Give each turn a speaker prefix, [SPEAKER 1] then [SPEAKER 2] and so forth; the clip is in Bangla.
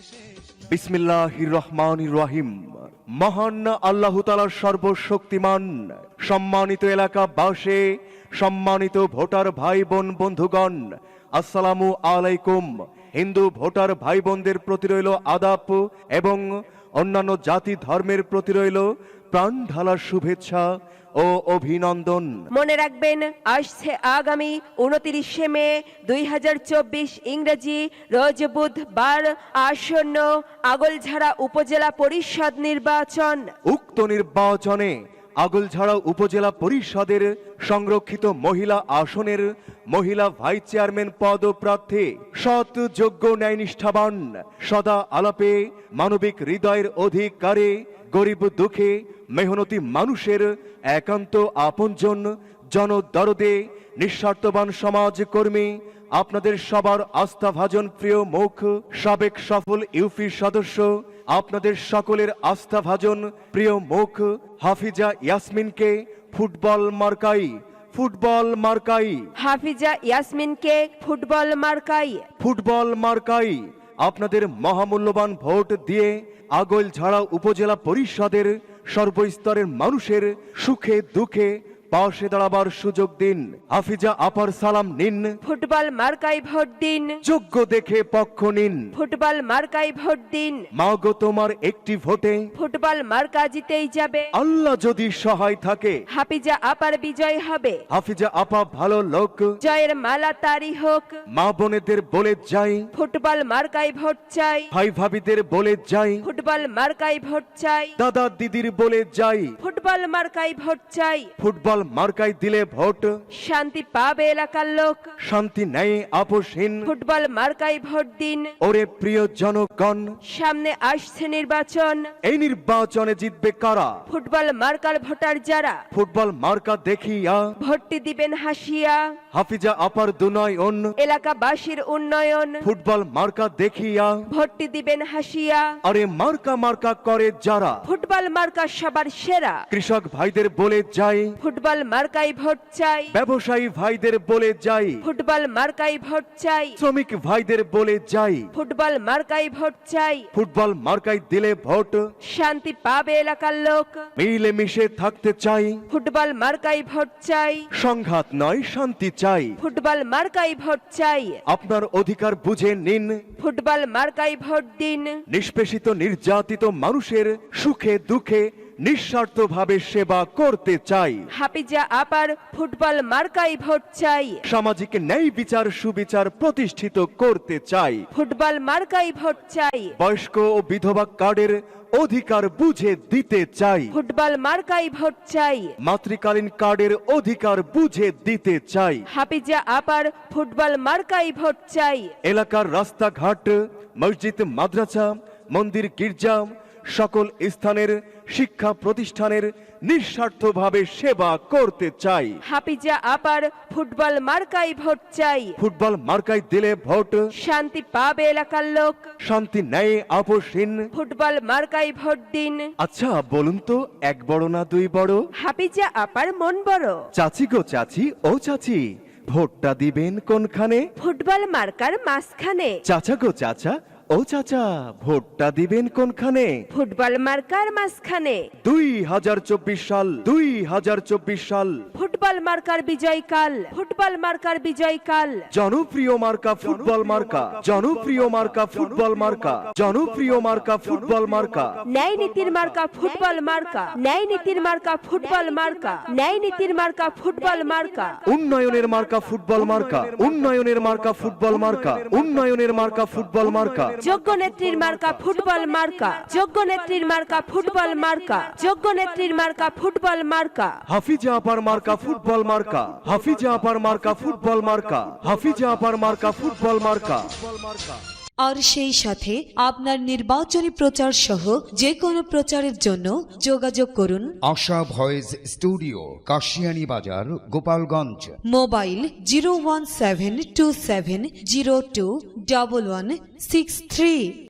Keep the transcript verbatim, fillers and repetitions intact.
[SPEAKER 1] বিসমিল্লাহির রহমানির রহিম। মহান আল্লাহ তাআলার সর্বশক্তিমান। সম্মানিত এলাকাবাসী, সম্মানিত ভোটার ভাই বোন বন্ধুগণ, আসসালামু আলাইকুম। হিন্দু ভোটার ভাই বোনদের প্রতি রইল আদাব এবং অন্যান্য জাতি ধর্মের প্রতি রইল প্রাণ ঢালার শুভেচ্ছা ও অভিনন্দন।
[SPEAKER 2] মনে রাখবেন, আসছে আগামী উনত্রিশে মে দুই হাজার চব্বিশ ইংরেজি রোজ বুধবার আসন্ন আগলঝাড়া উপজেলা পরিষদ নির্বাচন।
[SPEAKER 1] উক্ত নির্বাচনে আগলঝাড়া উপজেলা পরিষদের সংরক্ষিত মহিলা আসনের মহিলা ভাইস চেয়ারম্যান পদপ্রার্থী সৎ, যোগ্য, ন্যায়নিষ্ঠাবান, সদা আলাপে, মানবিক হৃদয়ের অধিকারী, গরিব দুঃখে মেহনতি মানুষের একান্ত আপনজন, জনদরদে, নিঃস্বার্থবান সমাজকর্মী, আপনাদের সবার আস্থাভাজন প্রিয় মুখ, সাবেক সফল ইউপি সদস্য, আপনাদের সকলের আস্থাভাজন প্রিয় মুখ হাফিজা ইয়াসমিনকে ফুটবল মার্কাই ফুটবল মার্কাই
[SPEAKER 2] হাফিজা ইয়াসমিনকে ফুটবল মার্কাই
[SPEAKER 1] ফুটবল মার্কাই আপনাদের মহামূল্যবান ভোট দিয়ে আগলঝাড়া উপজেলা পরিষদের সর্বস্তরের মানুষের সুখে দুঃখে পাশে দাঁড়াবার সুযোগ দিন। হাফিজা আপার সালাম নিন।
[SPEAKER 2] ফুটবল মার্কাই ভোট দিন।
[SPEAKER 1] যোগ্য দেখে পক্ষ নিন।
[SPEAKER 2] ফুটবল মার্কাই ভোট দিন।
[SPEAKER 1] মাগো তোমার একটি ভোটে
[SPEAKER 2] ফুটবল মার্কা জিতেই যাবে।
[SPEAKER 1] আল্লাহ যদি সহায় থাকে
[SPEAKER 2] হাফিজা আপার বিজয় হবে।
[SPEAKER 1] হাফিজা আপা ভালো লোক,
[SPEAKER 2] জয়ের মালা তারি হোক।
[SPEAKER 1] মা বোনেদের বলে যাই,
[SPEAKER 2] ফুটবল মার্কাই ভোট চাই।
[SPEAKER 1] ভাই ভাবিদের বলে যাই,
[SPEAKER 2] ফুটবল মার্কাই ভোট চাই।
[SPEAKER 1] দাদা দিদির বলে যাই,
[SPEAKER 2] ফুটবল মার্কাই ভোট চাই।
[SPEAKER 1] ফুটবল মার্কাই দিলে ভোট
[SPEAKER 2] শান্তি পাবে এলাকার লোক।
[SPEAKER 1] শান্তি নেই আপোষহীন।
[SPEAKER 2] ফুটবল মার্কাই ভোট দিন।
[SPEAKER 1] ওরে প্রিয় জনগণ,
[SPEAKER 2] সামনে আসছে নির্বাচন।
[SPEAKER 1] এই নির্বাচনে জিতবে কারা?
[SPEAKER 2] ফুটবল মার্কার ভোটার যারা
[SPEAKER 1] ফুটবল মার্কা দেখিয়া
[SPEAKER 2] ভোটটি দিবেন হাসিয়া।
[SPEAKER 1] হাফিজা আপার দুনয়ন
[SPEAKER 2] এলাকাবাসীর উন্নয়ন।
[SPEAKER 1] ফুটবল মার্কা দেখিয়া
[SPEAKER 2] ভোটটি দিবেন হাসিয়া।
[SPEAKER 1] আরে মার্কা মার্কা করে যারা
[SPEAKER 2] ফুটবল মার্কা সবার সেরা।
[SPEAKER 1] কৃষক ভাইদের বলে যাই,
[SPEAKER 2] ফুটবল মার্কাই ভোট চাই।
[SPEAKER 1] ব্যবসায়ী ভাইদের বলে যাই,
[SPEAKER 2] ফুটবল মার্কাই ভোট চাই।
[SPEAKER 1] শ্রমিক ভাইদের বলে যাই,
[SPEAKER 2] ফুটবল মার্কাই ভোট চাই।
[SPEAKER 1] ফুটবল মার্কাই দিলে ভোট
[SPEAKER 2] শান্তি পাবে এলাকার লোক।
[SPEAKER 1] মিলে মিশে থাকতে চাই,
[SPEAKER 2] ফুটবল মার্কাই ভোট চাই।
[SPEAKER 1] সংঘাত নয় শান্তি চাই।
[SPEAKER 2] ফুটবল মার্কাই ভোট চাই।
[SPEAKER 1] আপনার অধিকার বুঝে নিন।
[SPEAKER 2] ফুটবল মার্কাই ভোট দিন।
[SPEAKER 1] নিষ্পেষিত নির্যাতিত মানুষের সুখে দুঃখে নিঃস্বার্থভাবে সেবা করতে চাই।
[SPEAKER 2] হাফিজা আপার ফুটবল মার্কাই ভোট চাই।
[SPEAKER 1] সামাজিক ন্যায় বিচার সুবিচার প্রতিষ্ঠিত করতে চাই।
[SPEAKER 2] ফুটবল মার্কাই ভোট চাই।
[SPEAKER 1] বয়স্ক ও বিধবা কার্ডের অধিকার বুঝে দিতে চাই।
[SPEAKER 2] ফুটবল মার্কাই ভোট চাই।
[SPEAKER 1] মাতৃকালীন কার্ডের অধিকার বুঝে দিতে চাই।
[SPEAKER 2] হাফিজা আপার ফুটবল মার্কাই ভোট চাই।
[SPEAKER 1] এলাকার রাস্তাঘাট, মসজিদ, মাদ্রাসা, মন্দির, গির্জা, সকল স্থানের শিক্ষা প্রতিষ্ঠানের নিঃস্বার্থভাবে সেবা করতে চাই।
[SPEAKER 2] হাফিজা আপার ফুটবল মার্কাই ভোট চাই।
[SPEAKER 1] ফুটবল মার্কাই দিলে ভোট
[SPEAKER 2] শান্তি পাবে এলাকার লোক।
[SPEAKER 1] শান্তি নেই আপোষহীন।
[SPEAKER 2] ফুটবল মার্কাই ভোট দিন।
[SPEAKER 1] আচ্ছা বলুন তো, এক বড় না দুই বড়?
[SPEAKER 2] হাফিজা আপার মন বড়।
[SPEAKER 1] চাচি গো চাচি, ও চাচি, ভোটটা দিবেন কোনখানে?
[SPEAKER 2] ফুটবল মার্কার মাঝখানে।
[SPEAKER 1] চাচা গো চাচা, ও চাচা, ভোটটা দিবেন কোনখানে?
[SPEAKER 2] ফুটবল মার্কার মাঝখানে।
[SPEAKER 1] দুই হাজার চব্বিশ সাল দুই হাজার চব্বিশ সাল
[SPEAKER 2] ফুটবল মার্কার বিজয়কাল। ফুটবল মার্কার বিজয়কাল।
[SPEAKER 1] জনপ্রিয় মার্কা ফুটবল মার্কা জনপ্রিয় মার্কা ফুটবল মার্কা জনপ্রিয় মার্কা ফুটবল মার্কা
[SPEAKER 2] ন্যায় নীতির মার্কা ফুটবল মার্কা। ন্যায় নীতির মার্কা ফুটবল মার্কা। ন্যায় নীতির মার্কা ফুটবল মার্কা।
[SPEAKER 1] উন্নয়নের মার্কা ফুটবল মার্কা উন্নয়নের মার্কা ফুটবল মার্কা উন্নয়নের মার্কা ফুটবল মার্কা
[SPEAKER 2] যোগ্য নেত্রীর মার্কা ফুটবল মার্কা। যোগ্য নেত্রীর মার্কা ফুটবল মার্কা। যোগ্য নেত্রীর মার্কা ফুটবল মার্কা।
[SPEAKER 1] হাফিজা আপার মার্কা ফুটবল মার্কা হাফিজা আপার মার্কা ফুটবল মার্কা হাফিজা আপার মার্কা ফুটবল মার্কা।
[SPEAKER 3] আর সেই সাথে আপনার নির্বাচনী প্রচার সহ যে কোনো প্রচারের জন্য যোগাযোগ করুন
[SPEAKER 4] আশা ভয়েস স্টুডিও, কাশিয়ানী বাজার, Gopalganj.
[SPEAKER 3] Mobile zero one seven two seven zero two double one six three.